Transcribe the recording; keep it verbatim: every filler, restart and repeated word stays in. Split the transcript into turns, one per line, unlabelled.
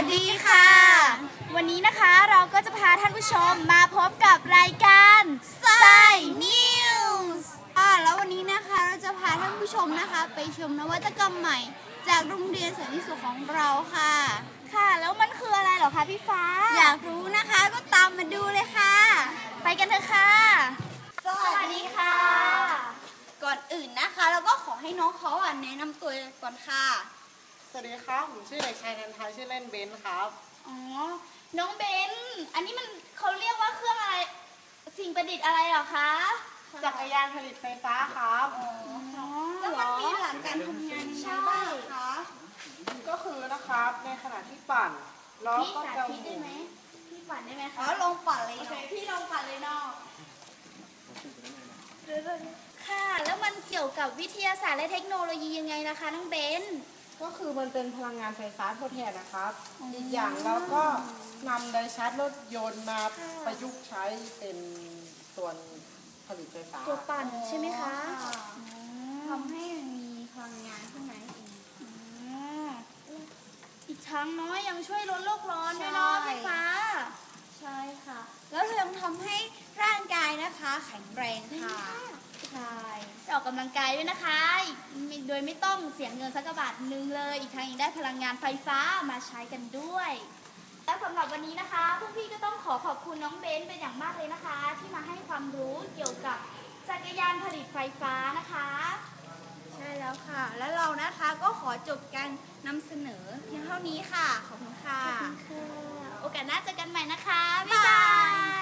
สดีค่ะวันนี้นะคะเราก็จะพาท่านผู้ชมมาพบกับรายการไซนิวส์อ่าแล้ววันนี้นะคะเราจะพาท่านผู้ชมนะคะไปชมนวัตกรรมใหม่จากโรงเรียนสันติสุขของเราค่ะค่ะแล้วมันคืออะไรเหรอคะพี่ฟ้าอยากรู้นะคะก็ตามมาดูเลยค่ะไปกันเถอะค่ะสวัสดีค่ะก่อนอื่นนะคะเราก็ขอให้น้องเขาอ่ะแนะนำตัวก่อนค่ะ
สวัสดีครับผมชื่อเด็กชายนันทาชื่อเล่นเบนครับ
อ๋อน้องเบนอันนี้มันเขาเรียกว่าเครื่องอะไรสิ่งประดิษฐ์อะไรเหรอคะ
จักรยานผลิตไฟฟ้าครับ
อ๋อแล้วมันมีหลักการทำงานยังไงบ้างคะ
ก็คือนะครับในขณะที่ปั่นล้อก็จะหมุน
ได้ไหมพี่ปั่นได้ไหมคะอ๋อลองปั่นเลยโอเคพี่ลองปั่นเลยเนาะค่ะแล้วมันเกี่ยวกับวิทยาศาสตร์และเทคโนโลยียังไงนะคะน้องเบน
ก็คือมันเป็นพลังงานไฟฟ้าทดแทนนะครับอีกอย่างเราก็นำไดชาร์จรถยนต์มาประยุกต์ใช้เป็นส่วนผลิตไฟฟ้า
ตัวปั่นใช่ไหมคะ
ทำให้มีพลังงานขึ้นมาเอง
อีกทั้งน้อยยังช่วยลดโลกร้อนด้วยเนาะพี่ฟ้า
ใช่ค่ะแล้วยังทำให้ร่างกายนะคะแข็งแรงค่ะ
ใช่ออกกำลังกายด้วยนะคะโดยไม่ต้องเสียเงินสักบาทนึงเลยอีกทั้งยังได้พลังงานไฟฟ้ามาใช้กันด้วยและสำหรับวันนี้นะคะพวกพี่ก็ต้องขอขอบคุณน้องเบนเป็นอย่างมากเลยนะคะที่มาให้ความรู้เกี่ยวกับจักรยานผลิตไฟฟ้านะคะ
ใช่แล้วค่ะแล้วเรานะคะก็ขอจบการนำเสนอเพียงเท่านี้ค่ะขอบคุณค่ะ
โอกาสหน้าเจอกันใหม่นะคะบ๊ายบาย